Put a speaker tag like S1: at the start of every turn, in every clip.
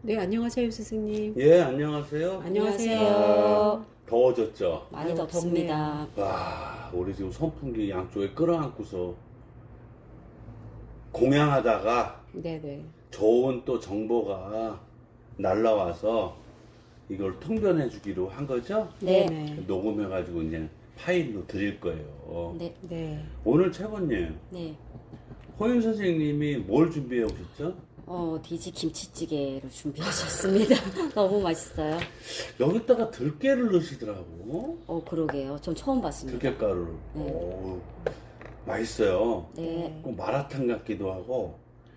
S1: 네, 안녕하세요, 스승님.
S2: 예, 안녕하세요.
S1: 안녕하세요.
S2: 아, 더워졌죠?
S3: 많이
S1: 아유,
S3: 덥습니다.
S2: 와, 우리 지금 선풍기 양쪽에 끌어안고서 공양하다가
S1: 네네.
S2: 좋은 또 정보가 날라와서 이걸 통변해 주기로 한 거죠?
S3: 네.
S1: 네네.
S2: 녹음해가지고 이제 파일로 드릴 거예요.
S3: 네.
S1: 네.
S2: 오늘 최고님,
S3: 네.
S2: 호윤 선생님이 뭘 준비해 오셨죠?
S3: 돼지 김치찌개를 준비하셨습니다. 너무 맛있어요.
S2: 여기다가 들깨를 넣으시더라고.
S3: 그러게요. 전 처음 봤습니다.
S2: 들깨가루를.
S3: 네.
S2: 오, 맛있어요.
S3: 네.
S2: 꼭 마라탕 같기도 하고.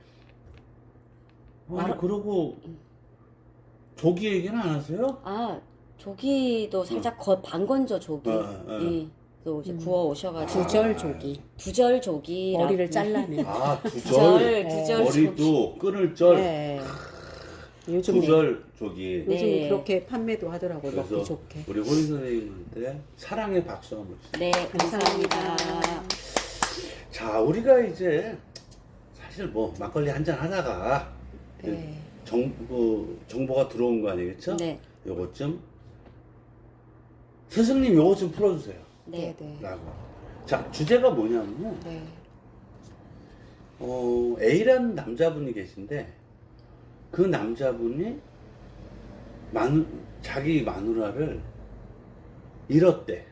S2: 아니,
S3: 마라-
S2: 그러고 조기 얘기는 안 하세요?
S3: 조기도 살짝 반건조 조기. 예. 또 이제 구워 오셔가지고.
S1: 두절조기.
S3: 두절 조기.
S1: 머리를 잘라내.
S2: 아,
S3: 두절 조기.
S2: 머리도 끊을 절,
S1: 네. 요즘에
S2: 두절 조기.
S1: 요즘
S3: 네.
S1: 그렇게 판매도 하더라고요.
S2: 그래서
S1: 먹기 좋게.
S2: 우리 호인 선생님한테 사랑의 박수 한번 주세요.
S3: 네, 감사합니다.
S2: 자, 우리가 이제 사실 뭐 막걸리 한잔 하다가
S1: 네.
S2: 정보가 들어온 거 아니겠죠?
S3: 네.
S2: 요것 좀 스승님 요것 좀 풀어주세요.
S3: 네.
S1: 네.
S2: 라고. 자, 주제가 뭐냐면
S1: 네.
S2: A라는 남자분이 계신데 그 남자분이 자기 마누라를 잃었대.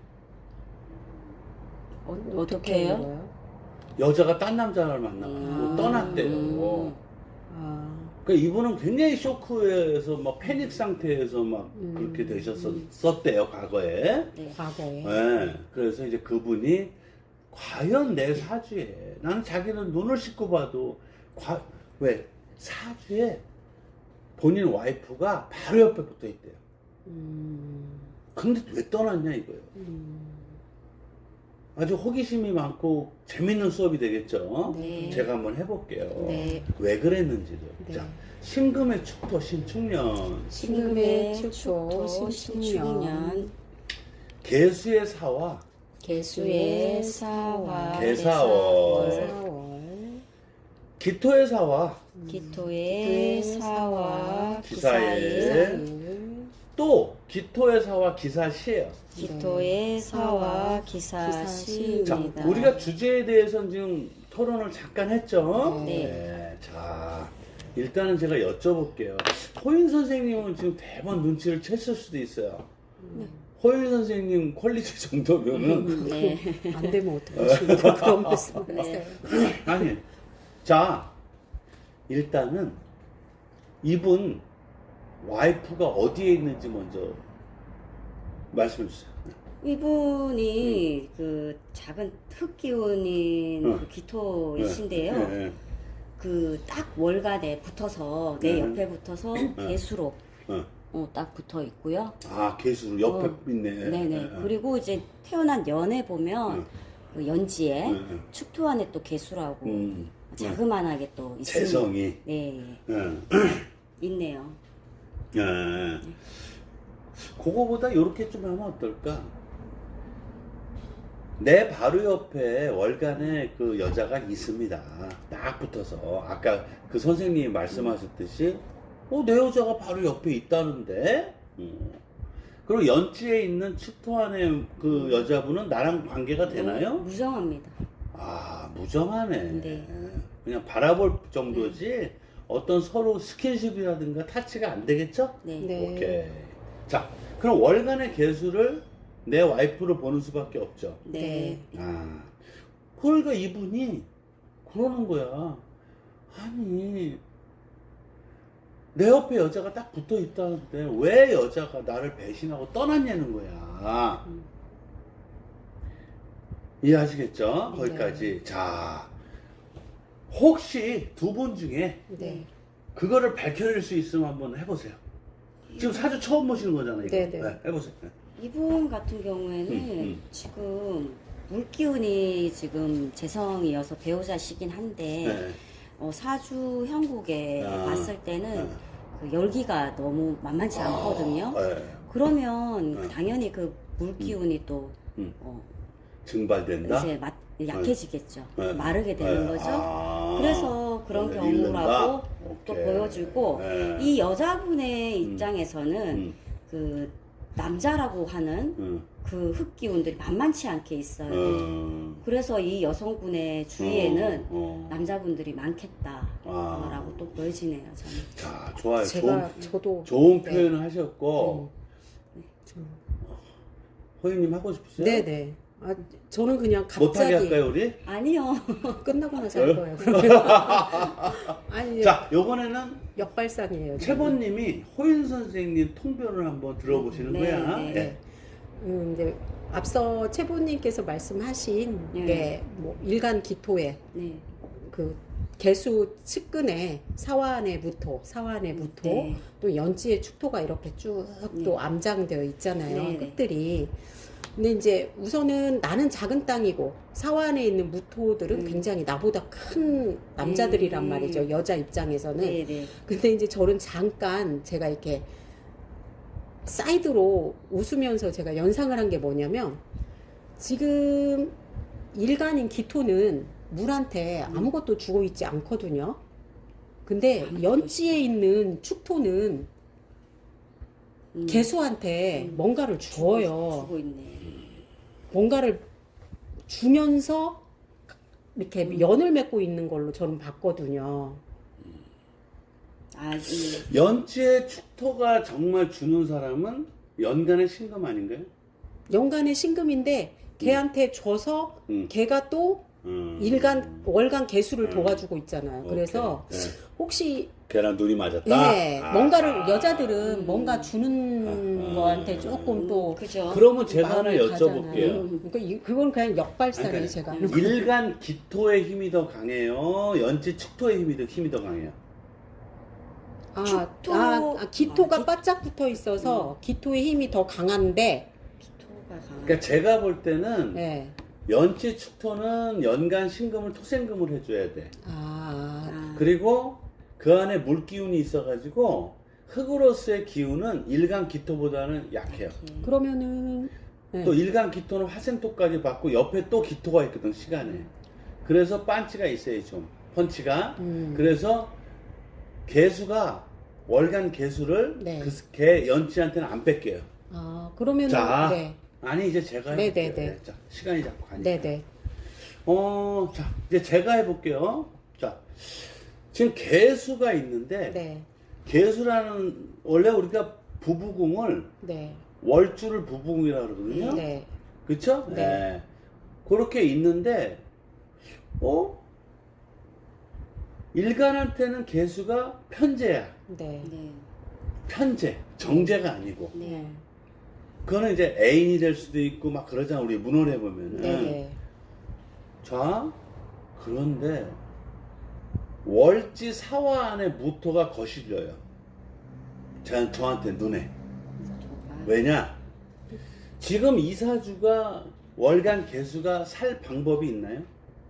S3: 어떻게 해요?
S1: 해요?
S2: 여자가 딴 남자를 만나고
S3: 음.
S2: 떠났대요.
S1: 아,
S2: 그러니까 이분은 굉장히 쇼크에서 막 패닉 상태에서 막 그렇게 되셨었대요, 과거에.
S3: 네.
S1: 과거에.
S2: 네. 그래서 이제 그분이 과연 내 사주에 나는 자기는 눈을 씻고 봐도 왜 사주에 본인 와이프가 바로 옆에 붙어 있대요.
S1: 음,
S2: 근데 왜 떠났냐 이거예요. 아주 호기심이 많고 재밌는 수업이 되겠죠.
S3: 네.
S2: 제가 한번 해볼게요.
S3: 네.
S2: 왜 그랬는지를.
S1: 네.
S2: 자, 신금의 축토 신축년,
S1: 신금의 축토,
S3: 축토,
S1: 신축년.
S3: 신축년.
S2: 개수의 사와
S3: 개수의 사와
S2: 개사월.
S1: 사월.
S2: 기토의 사와
S3: 기토의 사와
S2: 기사의
S3: 기사의
S2: 또 기토의 사와 기사시예요.
S3: 기토의 사와
S1: 기사시입니다.
S2: 자,
S3: 기사시입니다.
S2: 우리가 주제에 대해서는 지금 토론을 잠깐 했죠.
S3: 네.
S2: 자, 일단은 제가 여쭤볼게요. 호인 선생님은 지금 대번 눈치를 챘을 수도 있어요. 호인 선생님 퀄리티 정도면은
S3: 네.
S1: 안 되면 어떡하십니까? 그런 말씀을
S3: 네.
S1: 하세요.
S2: 아니, 자, 일단은 이분 와이프가 어디에 있는지 먼저 말씀해 주세요.
S3: 이분이 그 작은 흙 기운인 그 기토이신데요.
S2: 네.
S3: 그 딱 월간에 붙어서 내
S2: 네.
S3: 옆에 붙어서 개수로 딱 붙어 있고요.
S2: 아, 개수 옆에 있네.
S3: 네네. 그리고 이제 태어난 연에 보면 그 연지에 축토 안에 또 개수라고 자그만하게 또 있습니다.
S2: 재성이.
S3: 네. 있네요.
S2: 그거보다 이렇게 좀 하면 어떨까? 내 바로 옆에 월간에 그 여자가 있습니다. 딱 붙어서. 아까 그 선생님이 말씀하셨듯이, 내 여자가 바로 옆에 있다는데? 그리고 연지에 있는 축토 안에 그 여자분은 나랑 관계가 되나요?
S3: 무정합니다.
S2: 아, 무정하네.
S3: 네.
S2: 그냥 바라볼 정도지, 어떤 서로 스킨십이라든가 타치가 안 되겠죠?
S3: 네.
S1: 네.
S2: 오케이. 자, 그럼 월간의 개수를 내 와이프로 보는 수밖에 없죠.
S3: 네.
S2: 아, 그러니까 이분이 그러는 거야. 아니, 내 옆에 여자가 딱 붙어 있다는데 왜 여자가 나를 배신하고 떠났냐는 거야. 이해하시겠죠? 거기까지. 자, 혹시 두 분 중에
S1: 네.
S2: 그거를 밝혀낼 수 있으면 한번 해보세요. 지금 사주 처음 보시는 거잖아요. 이거.
S1: 네네.
S2: 해보세요.
S3: 이분 같은 경우에는 지금 물기운이 지금 재성이어서 배우자시긴 한데
S2: 네.
S3: 사주 형국에
S2: 아.
S3: 봤을 때는 그 열기가 너무 만만치 않거든요.
S2: 네.
S3: 그러면 당연히 그 물기운이 또
S2: 증발된다?
S3: 이제 약해지겠죠.
S2: 네.
S3: 마르게 되는
S2: 네.
S3: 거죠.
S2: 아.
S3: 그래서 그런
S2: 읽는다?
S3: 경우라고 또
S2: 오케이.
S3: 보여주고
S2: 네.
S3: 이 여자분의 입장에서는 그 남자라고 하는 그 흑기운들이 만만치 않게 있어요. 그래서 이 여성분의 주위에는 남자분들이 많겠다라고 또 보여지네요. 저는.
S2: 자, 좋아요.
S1: 저도
S2: 좋은
S1: 네.
S2: 표현을 하셨고 호유님 하고 싶으세요?
S1: 네네. 아, 저는 그냥
S2: 못하게
S1: 갑자기
S2: 할까요 우리?
S3: 아니요.
S1: 끝나고 나서 할 거예요. 그러면 아니
S2: 자, 요번에는
S1: 역발상이에요.
S2: 최보님이 호윤 선생님 통변을 한번 들어보시는
S3: 네,
S2: 거야.
S3: 네.
S2: 예.
S1: 이제 앞서 최보님께서 말씀하신
S3: 네.
S1: 게 뭐 일간 기토에
S3: 네.
S1: 그 개수 측근에 사화안의 무토, 사화안의 무토,
S3: 네.
S1: 또 연지의 축토가 이렇게 쭉 또
S3: 네.
S1: 암장되어 있잖아요.
S3: 네, 네.
S1: 끝들이. 근데 이제 우선은 나는 작은 땅이고 사화안에 있는 무토들은 굉장히 나보다 큰 남자들이란 말이죠. 여자 입장에서는.
S3: 네, 네.
S1: 근데 이제 저는 잠깐 제가 이렇게 사이드로 웃으면서 제가 연상을 한 게 뭐냐면 지금 일간인 기토는 물한테 아무것도 주고 있지 않거든요. 근데 연지에 있는 축토는 개수한테 뭔가를 줘요.
S3: 주고 있네.
S1: 뭔가를 주면서 이렇게 연을 맺고 있는 걸로 저는 봤거든요.
S3: 아,
S2: 연지의 축토가 정말 주는 사람은 연간의 신금 아닌가요?
S1: 연간의 신금인데 걔한테 줘서 걔가 또 일간 월간 개수를 도와주고 있잖아요. 그래서
S2: 오케이. 네.
S1: 혹시
S2: 걔랑 눈이 맞았다.
S1: 네, 뭔가를 여자들은 뭔가 주는 거한테 조금 또
S3: 그죠.
S2: 그러면 제가 하나
S1: 마음이
S2: 여쭤볼게요.
S1: 가잖아요. 그러니까 그건 그냥 역발상이에요.
S2: 그러니까
S1: 제가.
S2: 일간 기토의 힘이 더 강해요. 연지 축토의 힘이 더 강해요. 기토가 바짝 붙어 있어서 기토의 힘이 더 강한데.
S3: 기토가 강한.
S2: 그러니까 제가 볼 때는
S1: 네.
S2: 연지 축토는 연간 신금을 토생금을 해줘야 돼.
S1: 아,
S2: 그리고 그 안에 물 기운이 있어가지고 흙으로서의 기운은 일간 기토보다는 약해요.
S1: 그러면은 네.
S2: 또 일간 기토는 화생토까지 받고 옆에 또 기토가 있거든 시간에. 그래서 반치가 있어요 좀 펀치가. 그래서 개수가 월간 개수를
S1: 네.
S2: 그 개 연지한테는 안 뺏겨요.
S1: 아, 그러면은
S2: 자,
S1: 네.
S2: 아니 이제 제가
S1: 네,
S2: 해볼게요.
S1: 네, 네.
S2: 자, 시간이 자꾸 가니까.
S1: 네네.
S2: 자, 이제 제가 해볼게요. 자, 지금 개수가 있는데
S1: 네.
S2: 개수라는 원래 우리가 부부궁을
S1: 네.
S2: 월주를 부부궁이라고 그러거든요.
S1: 네.
S2: 그쵸?
S1: 네.
S2: 그렇게 있는데, 일간한테는 개수가 편제야.
S1: 네.
S3: 네.
S2: 편제. 정제가 아니고.
S1: 네.
S2: 그거는 이제 애인이 될 수도 있고 막 그러잖아. 우리 문헌에 보면은.
S1: 네.
S2: 자, 그런데 월지 사화 안에 무토가 거실려요. 저한테 눈에. 왜냐? 지금 이사주가 월간 개수가 살 방법이 있나요?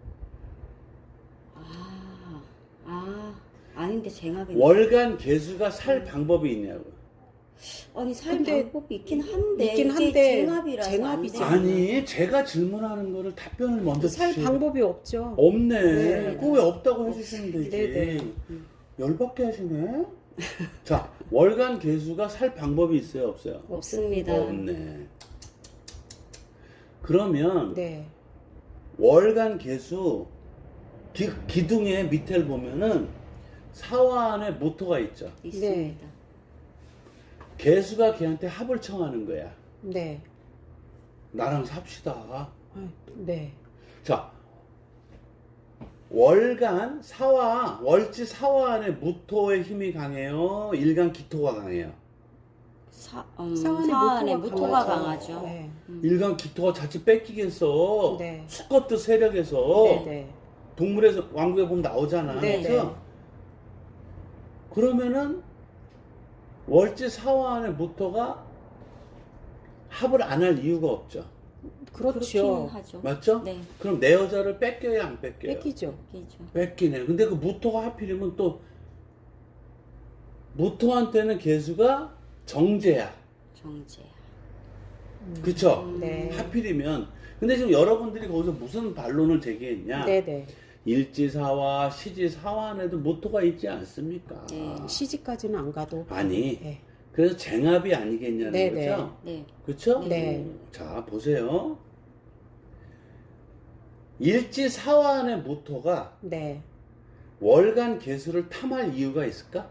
S3: 아닌데 쟁합이.
S2: 월간 개수가 살 방법이 있냐고.
S3: 아니 살
S1: 근데
S3: 방법이 있긴 한데
S1: 있긴
S3: 이게
S1: 한데
S3: 쟁합이라서
S1: 쟁합이지.
S3: 안 돼요.
S2: 아니, 제가 질문하는 거를 답변을 먼저
S1: 살
S2: 주셔야
S1: 방법이 없죠.
S2: 없네.
S1: 네.
S2: 그거 왜 없다고 해주시면 되지.
S1: 네네.
S2: 열받게 하시네. 자, 월간 개수가 살 방법이 있어요, 없어요?
S3: 없습니다.
S2: 없네. 그러면
S1: 네.
S2: 월간 개수 기둥의 밑에를 보면은 사화 안에 모토가 있죠.
S3: 있습니다.
S2: 개수가 걔한테 합을 청하는 거야.
S1: 네.
S2: 나랑 삽시다.
S1: 아, 네.
S2: 자, 월간 사화, 월지 사화 안에 무토의 힘이 강해요. 일간 기토가 강해요.
S3: 사안의 무토가 강하죠.
S1: 네.
S2: 일간 기토가 자칫 뺏기겠어.
S1: 네.
S2: 수컷도 세력에서
S1: 네.
S2: 동물에서 왕국에 보면 나오잖아.
S1: 네,
S2: 그래서 그러면은 월지 사화 안에 무토가 합을 안 할 이유가 없죠.
S1: 그렇죠.
S3: 그렇긴 하죠.
S2: 맞죠?
S3: 네.
S2: 그럼 내 여자를 뺏겨야 안 뺏겨요?
S1: 뺏기죠.
S3: 뺏기죠.
S2: 뺏기네. 근데 그 무토가 하필이면 또 무토한테는 개수가 정제야.
S3: 정제야.
S2: 그쵸?
S1: 네.
S2: 하필이면. 근데 지금 여러분들이 거기서 무슨 반론을 제기했냐?
S1: 네네.
S2: 일지사화, 시지사화 안에도 모토가 있지 않습니까?
S3: 네.
S1: 시집까지는 안 가도.
S2: 아니,
S1: 네.
S2: 그래서 쟁합이 아니겠냐는
S1: 네,
S2: 거죠?
S3: 네.
S2: 그렇죠?
S1: 네.
S2: 자, 보세요. 일지사화 안의 모토가
S1: 네.
S2: 월간 개수를 탐할 이유가 있을까?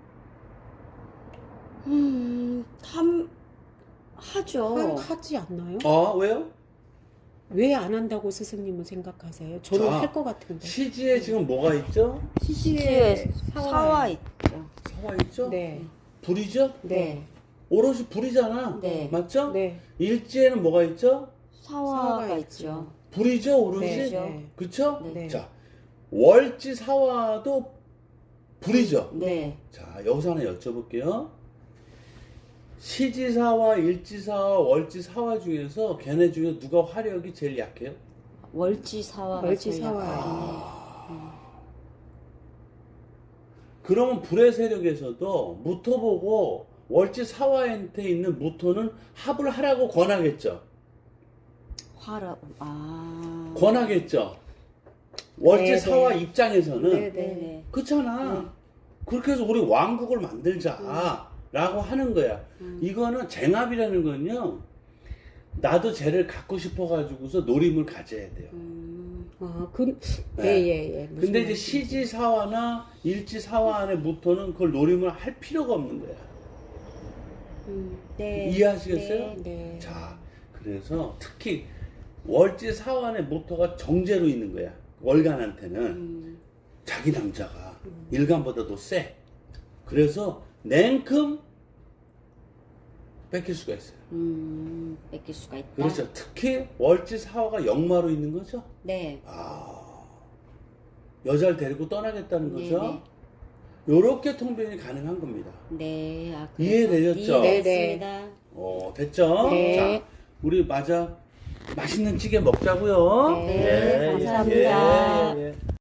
S3: 하죠.
S1: 하지 않나요?
S2: 왜요?
S1: 왜 안 한다고 스승님은 생각하세요? 저는
S2: 자,
S1: 할 것 같은데.
S2: 시지에 지금 뭐가 있죠?
S3: 시지에 사화 있죠.
S2: 사화 있죠?
S1: 네.
S2: 불이죠?
S1: 네.
S2: 오롯이 불이잖아.
S3: 네.
S2: 맞죠?
S1: 네.
S2: 일지에는 뭐가 있죠?
S3: 사화가
S1: 사화가
S3: 있죠.
S2: 불이죠, 오롯이.
S1: 네.
S3: 네.
S2: 그쵸?
S3: 네.
S2: 자, 월지 사화도 불이죠.
S3: 네.
S2: 자, 여기서 하나 여쭤볼게요. 시지사화, 일지사화, 월지사화 중에서 걔네 중에 누가 화력이 제일 약해요?
S3: 월지사화가
S1: 월지사화.
S3: 제일 약하네.
S2: 그러면 불의 세력에서도 무토 보고 월지사화한테 있는 무토는 합을 하라고 권하겠죠.
S3: 화라고.
S2: 권하겠죠. 월지사화
S1: 네, 네.
S2: 입장에서는
S1: 네, 네.
S3: 네네.
S2: 그렇잖아. 그렇게 해서 우리 왕국을 만들자 라고 하는 거야. 이거는 쟁합이라는 건요, 나도 쟤를 갖고 싶어 가지고서 노림을 가져야 돼요.
S1: 예,
S2: 네.
S1: 예, 예. 무슨
S2: 근데 이제
S1: 말씀이신지.
S2: 시지사화나 일지사화 안에 무토는 그걸 노림을 할 필요가 없는 거야.
S3: 네.
S2: 이해하시겠어요?
S3: 네.
S1: 네.
S2: 자, 그래서 특히 월지사화 안에 무토가 정제로 있는 거야. 월간한테는. 자기 남자가 일간보다도 세. 그래서 냉큼 뺏길 수가 있어요.
S3: 뺏길 수가 있다.
S2: 그렇죠. 특히 월지사화가 역마로 있는 거죠.
S3: 네.
S2: 여자를 데리고 떠나겠다는 거죠.
S3: 네네.
S2: 요렇게 통변이 가능한 겁니다.
S3: 네. 그래서
S2: 이해되셨죠?
S3: 이해됐습니다.
S2: 됐죠?
S1: 네.
S2: 자, 우리 맛있는 찌개 먹자고요.
S3: 네, 감사합니다.
S2: 예, 예.